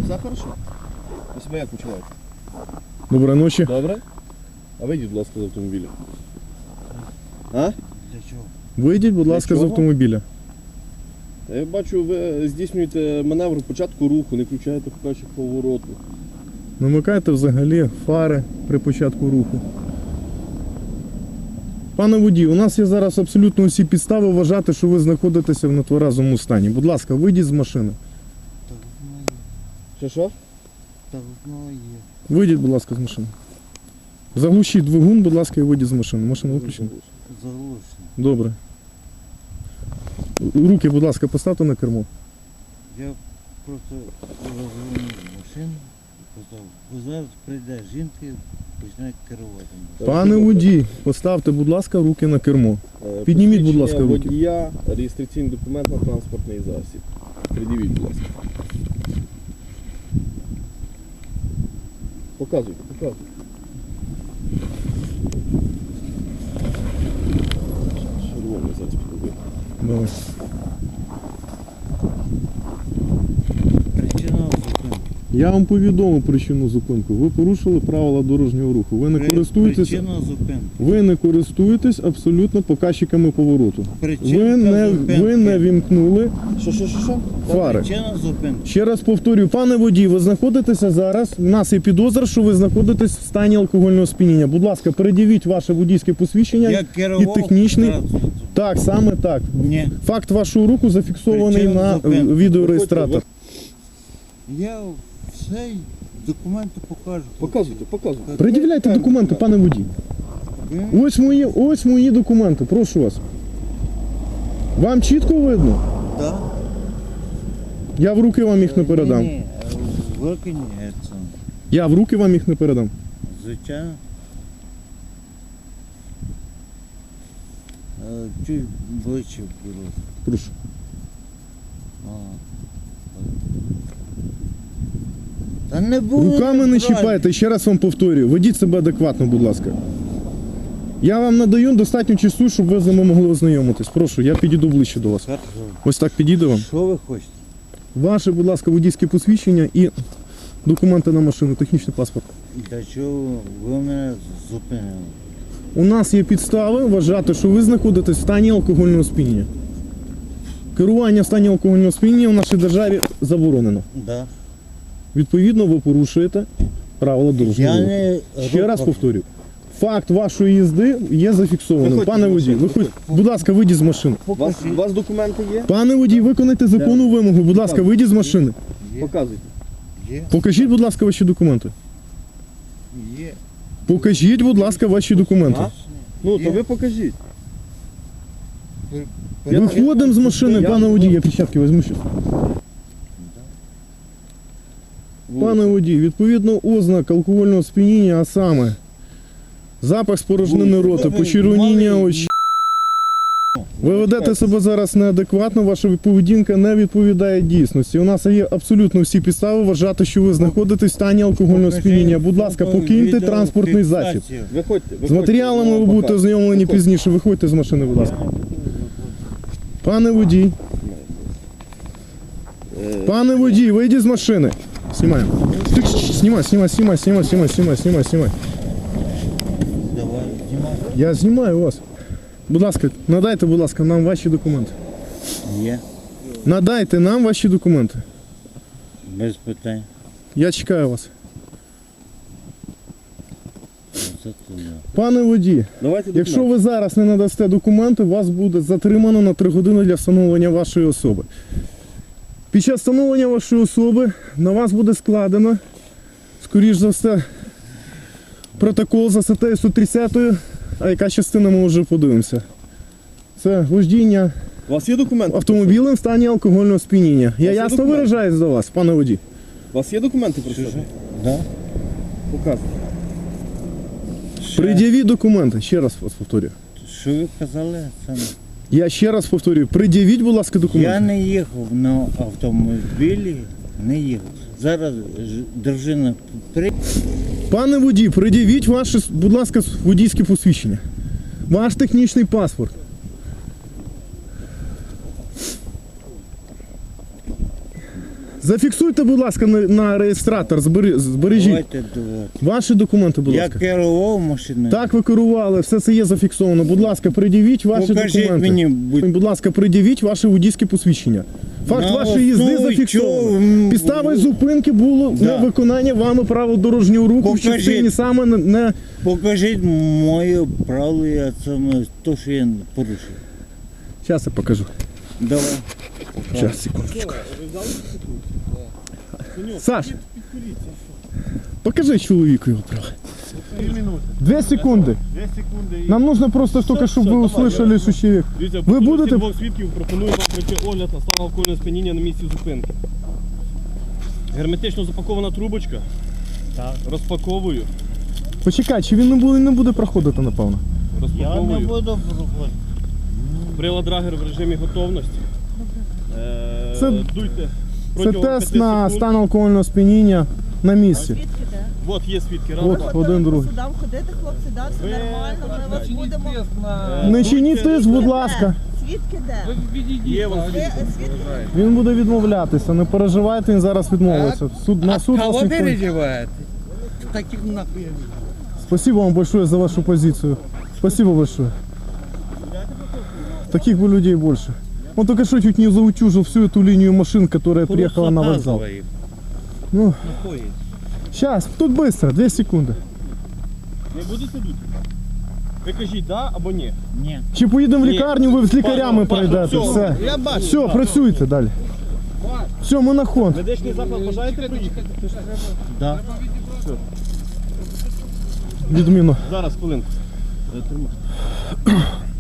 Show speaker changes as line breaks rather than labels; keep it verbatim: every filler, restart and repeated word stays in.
Все хорошо? Ви себе як почуваєте?
Доброї ночі.
Добре? А вийдіть, будь ласка, з автомобіля. А?
Для чого?
Вийдіть, будь ласка, з
чого?
автомобіля.
Я бачу, ви здійснюєте маневр початку руху, не включаєте показчик повороту.
Намикайте взагалі фари при початку руху. Пане водій, у нас є зараз абсолютно усі підстави вважати, що ви знаходитеся в нетверезому стані. Будь ласка, вийдіть з машини.
Так воно є.
Що що?
Так воно є.
Вийдіть, будь ласка, з машини. Заглушіть двигун, будь ласка, і вийдіть з машини. Машина виключена.
Заглушено.
Добре. Руки, будь ласка, поставте на кермо.
Я просто розвернув машину і казав, бо зараз прийде жінка і почне керувати.
Пане водій, поставте, будь ласка, руки на кермо.
Е,
Підніміть, будь ласка,
посвідчення
руки.
водія, реєстраційний документ на транспортний засіб. Придивіть, будь ласка. Показуйте, показуйте. Червоний зараз підробити.
Давай.
Причина зупинки.
Я вам повідомив причину зупинку. Ви порушили правила дорожнього руху. Ви не
При-
користуєтесь,
Причина зупинки.
ви не користуєтесь абсолютно показчиками повороту.
Причина
Ви не,
зупинки.
ви не вімкнули
Що, що, що, що?
фари.
Причина зупинки.
Ще раз повторюю, пане водій, ви знаходитеся зараз, у нас є підозра, що ви знаходитесь в стані алкогольного сп'яніння. Будь ласка, передивіть ваше водійське посвідчення
Я
і
керував
технічний.
транспортом.
Так, саме так.
Ні.
Факт вашого руху зафіксований
Причина
на
зупинки.
відеореєстратор.
Я все документи покажу.
Показуйте, показуйте.
Пред'являйте документи, пане водій.
Ви?
Ось мої, ось мої документи, прошу вас. Вам чітко видно?
Да.
Я в руки вам їх не передам.
Ні, ні, в руки ні, це,
Я в руки вам їх не передам.
звичайно. Е, Чуть ближче беру.
Прошу.
А. Та не було.
Руками не чіпайте, ще раз вам повторюю. Ведіть себе адекватно, будь ласка. Я вам надаю достатньо часу, щоб ви з ними могли ознайомитись. Прошу, я підійду ближче до вас.
Хорошо.
Ось так підійду вам.
Що ви хочете?
Ваше, будь ласка, водійське посвідчення і документи на машину, технічний паспорт.
Для чого ви мене зупинили?
У нас є підстави вважати, що ви знаходитесь в стані алкогольного сп'яніння. Керування в стані алкогольного сп'яніння в нашій державі заборонено.
Да.
Відповідно, ви порушуєте правила дорожнього
Я
руху.
не
Ще раз повторюю. Факт вашої їзди є зафіксованим.
Виходьте
Пане
з
водій,
машини,
виходь, будь ласка, вийдіть з машини.
У вас, у вас документи є?
Пане водій, виконайте законну вимогу. Будь ласка, вийдіть з машини.
Є.
Показуйте.
Є.
Покажіть, будь ласка, ваші документи.
Є.
Покажіть, будь ласка, ваші документи.
А? Ну,
Є.
то ви покажіть.
Я-
Виходимо з машини,
Я-
пане водій, я печатки візьму ще. Пане водій, відповідно ознак алкогольного сп'яніння, а саме запах спорожнини рота, почервоніння очей. Ви ведете себе зараз неадекватно, ваша поведінка не відповідає дійсності. У нас є абсолютно всі підстави вважати, що ви знаходитесь в стані алкогольного сп'яніння. Будь ласка, покиньте транспортний засіб.
Виходьте, виходьте.
З матеріалами ви будете ознайомлені пізніше. Виходьте з машини, будь ласка. Пане водій, пане водій, вийдіть з машини. Знімаємо. Тих, Знімай, знімай, знімай, знімай, знімай, знімай, знімай, знімай.
Давай, знімай.
Я знімаю вас. Будь ласка, надайте, будь ласка, нам ваші документи.
Є.
Надайте нам ваші документи.
Без питань.
Я чекаю вас.
Це туди.
Пане водій,
Давайте
якщо
документи.
ви зараз не надасте документи, вас буде затримано на три години для встановлення вашої особи. Під час встановлення вашої особи на вас буде складено, скоріш за все, протокол за статтею сто тридцять, а яка частина ми вже подивимося. Це вождіння
У вас є документи?
автомобілем в стані алкогольного сп'яніння. Я
є
ясно
документи?
виражаюсь до вас, пане водій.
У вас є документи про себе?
Да?
Показуйте.
Що?
Пред'явіть документи, ще раз вас повторюю.
Що ви казали? Це...
Я ще раз повторюю, пред'явіть, будь ласка, документи.
Я не їхав на автомобілі, не їхав. Зараз ж- дружина при...
Пане водій, пред'явіть ваше, будь ласка, водійське посвідчення. Ваш технічний паспорт. Зафіксуйте, будь ласка, на, на реєстратор, збери, збережіть.
Давайте, давайте.
Ваші документи, будь
Я
ласка.
керував машиною.
Так, ви керували, все це є зафіксовано. Будь ласка, пред'явіть ваші
Покажіть
документи.
мені, будь-
Будь ласка, пред'явіть ваше водійське посвідчення. Факт
На
вашої їзди
основі
зафіксовано.
чого, м,
Підставою зупинки було
Да.
невиконання вами правил дорожнього руху в
Покажіть.
частині саме не- не...
Покажіть моє право, я саме то, що я порушив.
Зараз я покажу.
Давай.
Зараз, секундочку. Саш, покажи чоловіку його право. Дві секунди.
Дві секунди і...
Нам нужно просто тільки, щоб ви услышали, що чоловік.
Дивіться,
Ви
ви
будете-
будете... двох свідків пропоную вам пройти огляд на стан алкогольного сп'яніння на місці зупинки. Герметично запакована трубочка.
Так.
Розпаковую.
Почекай, чи він не буде, не буде проходити, напевно?
Я не
Розпаковую.
буду проходити.
Прилад Драгер в режимі готовності. Е,
Це-
Дуйте.
Це
протягом
тест
п'яти
на
секунд.
стан алкогольного сп'яніння на місці.
Свідки де?
От є свідки. Раз,
От.
два.
один,
по
другий.
судам ходити, хлопці, да, все
Ви
нормально, ми вас будемо...
Е,
Не чиніть
дуйте.
тиск, будь ласка.
Свідки де?
Є вам
Ви
свідки.
свідки?
Він буде відмовлятися, не переживайте, він зараз відмовиться. Суд, на суд вас
Кого
ніхто...
переживаете? Таких нахуй.
Спасибо вам большое за вашу позицию. Спасибо большое. Таких бы людей больше. Он только что чуть не заутюжил всю эту линию машин, которая приехала на вокзал. Ну, сейчас, тут быстро, две секунды.
Не будете дути? Ви кажіть, да або ні?
Ні.
Чи поїдемо в
Ні.
лікарню, ви з лікарями
Бачу,
пройдете,
бачу,
все.
Я бачу.
Все, працюйте далі. Все, ми на хон.
Медичний заклад бажаєте приїхати?
Да.
Відміну.
Зараз, хвилинку. Е, тримай.